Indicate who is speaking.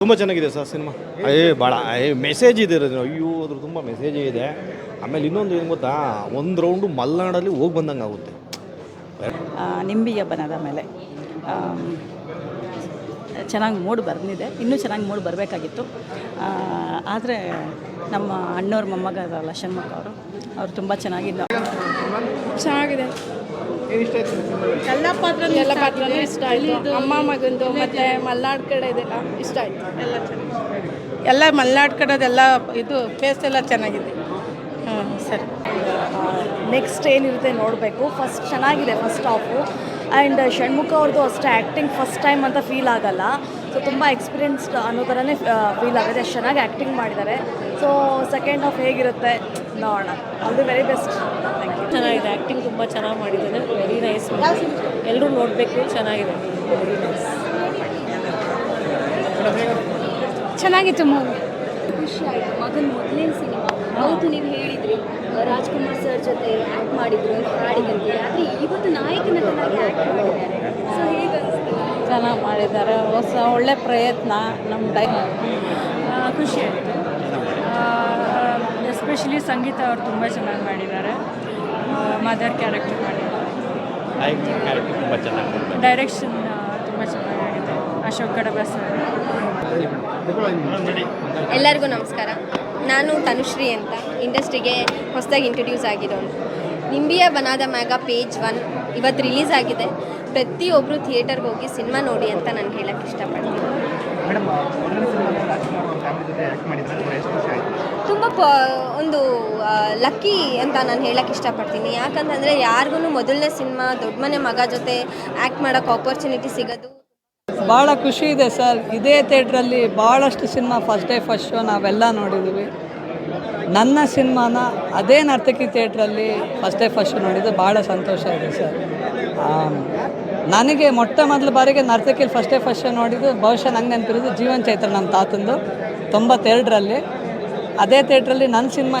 Speaker 1: ತುಂಬ ಚೆನ್ನಾಗಿದೆ sir cinema. ಭಾಳ ಮೆಸೇಜ್ ಇದೆ ಅಯ್ಯೋ ಅದ್ರ ತುಂಬ ಮೆಸೇಜೇ ಇದೆ. ಆಮೇಲೆ ಇನ್ನೊಂದು ಏನು ಗೊತ್ತಾ, ಒಂದು ರೌಂಡು ಮಲೆನಾಡಲ್ಲಿ ಹೋಗಿ ಬಂದಂಗೆ ಆಗುತ್ತೆ.
Speaker 2: ನಿಂಬಿಯ ಬನದ ಮೇಲೆ ಚೆನ್ನಾಗಿ ಮೂಡ್ ಬಂದಿದೆ, ಇನ್ನೂ ಚೆನ್ನಾಗಿ ಮೂಡ್ ಬರಬೇಕಾಗಿತ್ತು. ಆದರೆ ನಮ್ಮ ಅಣ್ಣವ್ರ ಮೊಮ್ಮಗ ಅದಲ್ಲ ಷಣ್ಮುಖ ಅವರು ತುಂಬ ಚೆನ್ನಾಗಿದೆ.
Speaker 3: ಎಲ್ಲ ಪಾತ್ರನೂ ಇಷ್ಟ ಆಯಿತು. ಅಮ್ಮ ಮಗಂದು ಮತ್ತು ಮಲ್ನಾಡು ಕಡೆ ಇದೆಲ್ಲ ಇಷ್ಟ ಆಯಿತು. ಎಲ್ಲ ಚೆನ್ನಾಗಿ, ಎಲ್ಲ ಮಲ್ನಾಡು ಕಡೆದೆಲ್ಲ ಇದು ಪ್ಲೇಸ್ ಎಲ್ಲ ಚೆನ್ನಾಗಿದೆ. ಸರಿ,
Speaker 4: ನೆಕ್ಸ್ಟ್ ಏನಿರುತ್ತೆ ನೋಡಬೇಕು. ಫಸ್ಟ್ ಚೆನ್ನಾಗಿದೆ ಫಸ್ಟ್ ಹಾಫು. ಆ್ಯಂಡ್ ಷಣ್ಮುಖ ಅವ್ರದ್ದು ಅಷ್ಟೇ ಆ್ಯಕ್ಟಿಂಗ್ ಫಸ್ಟ್ ಟೈಮ್ ಅಂತ ಫೀಲ್ ಆಗಲ್ಲ. ಸೊ ತುಂಬ ಎಕ್ಸ್ಪೀರಿಯನ್ಸ್ಡ್ ಅನ್ನೋ ಥರನೇ ಫೀಲ್ ಆಗುತ್ತೆ. ಅಷ್ಟು ಚೆನ್ನಾಗಿ ಆ್ಯಕ್ಟಿಂಗ್ ಮಾಡಿದ್ದಾರೆ. ಸೊ ಸೆಕೆಂಡ್ ಹಾಫ್ ಹೇಗಿರುತ್ತೆ ನೋಡೋಣ. All the very best. Thank you.
Speaker 5: ಚೆನ್ನಾಗಿದೆ, ಆ್ಯಕ್ಟಿಂಗ್ ತುಂಬ ಚೆನ್ನಾಗಿ ಮಾಡಿದ್ದಾರೆ. Very nice. ಎಲ್ಲರೂ ನೋಡಬೇಕು, ಚೆನ್ನಾಗಿದೆ. Very nice.
Speaker 3: ಚೆನ್ನಾಗಿತ್ತು ಮೂವಿ.
Speaker 6: ಖುಷಿ ಆಯಿತು. ಮಗನ ಮೊದಲನೇ ಸಿನಿಮಾ. ಹೌದು, ನೀವು ಹೇಳಿದ್ರಿ ರಾಜ್ಕುಮಾರ್ ಸರ್ ಜೊತೆ ಆ್ಯಕ್ಟ್ ಮಾಡಿದ್ರು ಅಂತ ಹಾಡಿದಂತೆ, ಆದರೆ ಇವತ್ತು ನಾಯಕ ನಟನಾಗಿ ಆ್ಯಕ್ಟ್ ಮಾಡಿದ್ದಾರೆ. ಸೊ ಹೇಗೆ ಅನಿಸ್ತು?
Speaker 5: ಚೆನ್ನಾಗಿ ಮಾಡಿದ್ದಾರೆ. ಒಳ್ಳೆ ಪ್ರಯತ್ನ. ನಮ್ಮ
Speaker 2: ಖುಷಿ ಆಯಿತು. ಎಸ್ಪೆಷಲಿ ಸಂಗೀತ ಅವರು ತುಂಬ ಚೆನ್ನಾಗಿ ಮಾಡಿದ್ದಾರೆ. ಮದರ್ ಕ್ಯಾರೆಕ್ಟರ್ ಮಾಡಿದ್ದಾರೆ.
Speaker 1: ತುಂಬ ಚೆನ್ನಾಗಿ
Speaker 2: ಡೈರೆಕ್ಷನ್ ತುಂಬ ಚೆನ್ನಾಗಿದೆ. ಅಶೋಕ್ ಕಡಬ ಸರ್.
Speaker 6: ಎಲ್ಲರಿಗೂ ನಮಸ್ಕಾರ. ನಾನು ತನುಶ್ರೀ ಅಂತ, ಇಂಡಸ್ಟ್ರಿಗೆ ಹೊಸದಾಗಿ ಇಂಟ್ರೊಡ್ಯೂಸ್ ಆಗಿರೋನು. ನಿಂಬಿಯ ಬನಾದ ಮ್ಯಾಗ ಪೇಜ್ 1 ಇವತ್ತು ರಿಲೀಸ್ ಆಗಿದೆ. ಪ್ರತಿಯೊಬ್ಬರು ಥಿಯೇಟರ್ಗೆ ಹೋಗಿ ಸಿನಿಮಾ ನೋಡಿ ಅಂತ ನಾನು ಹೇಳೋಕ್ಕೆ ಇಷ್ಟಪಡ್ತೀನಿ. ತುಂಬ ಒಂದು ಲಕ್ಕಿ ಅಂತ ನಾನು ಹೇಳೋಕ್ಕೆ ಇಷ್ಟಪಡ್ತೀನಿ. ಯಾಕಂತಂದರೆ ಯಾರಿಗೂ ಮೊದಲನೇ ಸಿನಿಮಾ ದೊಡ್ಡ ಮನೆ ಮಗ ಜೊತೆ ಆ್ಯಕ್ಟ್ ಮಾಡೋಕ್ಕೆ ಆಪರ್ಚುನಿಟಿ ಸಿಗೋದು
Speaker 7: ಭಾಳ ಖುಷಿ ಇದೆ ಸರ್. ಇದೇ ಥಿಯೇಟ್ರಲ್ಲಿ ಭಾಳಷ್ಟು cinema first day first show ನಾವೆಲ್ಲ ನೋಡಿದ್ದೀವಿ. ನನ್ನ ಸಿನಿಮಾನ ಅದೇ ನರ್ತಕಿ ಥಿಯೇಟ್ರಲ್ಲಿ ಫಸ್ಟ್ ಡೇ ಫಸ್ಟ್ ಶೋ ನೋಡಿದ್ದು ಭಾಳ ಸಂತೋಷ ಇದೆ ಸರ್. ನನಗೆ ಮೊಟ್ಟ ಮೊದಲ ಬಾರಿಗೆ ನರ್ತಕಿಲಿ ಫಸ್ಟ್ ಡೇ ಫಸ್ಟ್ ಶೋ ನೋಡಿದ್ದು ಬಹುಶಃ ನಂಗೆ ನೆನಪಿರೋದು ಜೀವನ್ ಚೈತ್ರ ನಮ್ಮ ತಾತಂದು 92ರಲ್ಲಿ. ಅದೇ ಥಿಯೇಟ್ರಲ್ಲಿ ನನ್ನ ಸಿನಿಮಾ